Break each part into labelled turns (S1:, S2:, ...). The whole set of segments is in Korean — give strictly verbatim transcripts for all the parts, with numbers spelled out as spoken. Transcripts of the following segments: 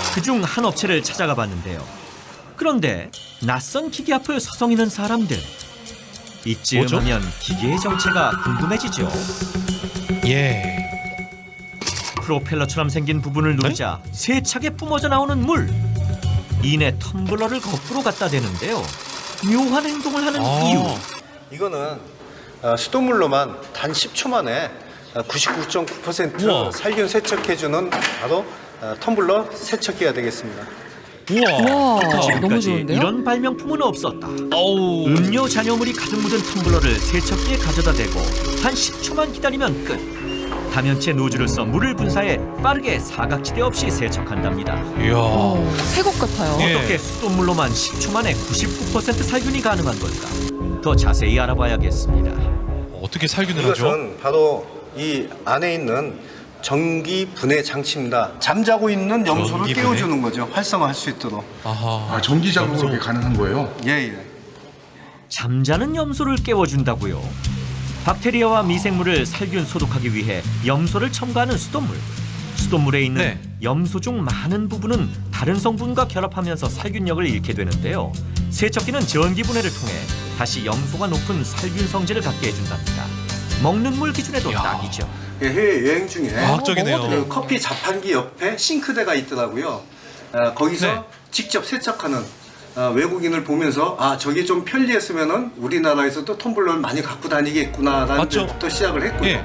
S1: 그중 한 업체를 찾아가 봤는데요. 그런데 낯선 기계 앞을 서성이는 사람들. 이쯤
S2: 뭐죠?
S1: 하면 기계의 정체가 궁금해지죠.
S2: 예.
S1: 프로펠러처럼 생긴 부분을 누르자 세차게 뿜어져 나오는 물. 이내 텀블러를 거꾸로 갖다 대는데요. 묘한 행동을 하는
S2: 아.
S1: 이유.
S3: 이거는 어, 수돗물로만 단 십 초 만에 구십구 점 구 퍼센트
S2: 우와.
S3: 살균 세척해주는 바로 어, 텀블러 세척기가 되겠습니다.
S2: 우와.
S4: 와, 너무
S1: 지금까지
S4: 좋은데요?
S1: 이런 발명품은 없었다.
S2: 어우.
S1: 음료 잔여물이 가득 묻은 텀블러를 세척기에 가져다 대고 한 십 초만 기다리면 끝. 다면체 노즐을 써 물을 분사해 빠르게 사각지대 없이 세척한답니다.
S2: 이야.
S4: 어, 새것 같아요.
S2: 예.
S1: 어떻게 수돗물로만 십 초 만에 구십구 퍼센트 살균이 가능한 걸까? 더 자세히 알아봐야겠습니다.
S2: 어떻게 살균을 하죠?
S3: 이것은 바로 이 안에 있는 전기 분해 장치입니다. 잠자고 있는 염소를
S2: 전기 분해?
S3: 깨워주는 거죠. 활성화할 수 있도록.
S2: 아하.
S5: 아, 전기 작업으로
S2: 염소.
S5: 이게 가능한 거예요?
S3: 예, 예.
S1: 잠자는 염소를 깨워준다고요? 박테리아와 미생물을 살균 소독하기 위해 염소를 첨가하는 수돗물. 수돗물에 있는
S2: 네.
S1: 염소 중 많은 부분은 다른 성분과 결합하면서 살균력을 잃게 되는데요. 세척기는 전기 분해를 통해 다시 염소가 높은 살균 성질을 갖게 해준답니다. 먹는 물 기준에도
S2: 이야.
S1: 딱이죠.
S3: 예, 해외 여행 중에
S2: 과학적이네요.
S3: 그 커피 자판기 옆에 싱크대가 있더라고요. 어, 거기서
S2: 네.
S3: 직접 세척하는 어, 외국인을 보면서 아 저게 좀 편리했으면은 우리나라에서도 텀블러를 많이 갖고 다니겠구나라는
S2: 맞죠?
S3: 데부터 시작을 했고요.
S2: 예.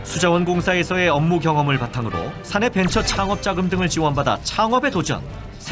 S1: 수자원 공사에서의 업무 경험을 바탕으로 사내 벤처 창업 자금 등을 지원받아 창업에 도전.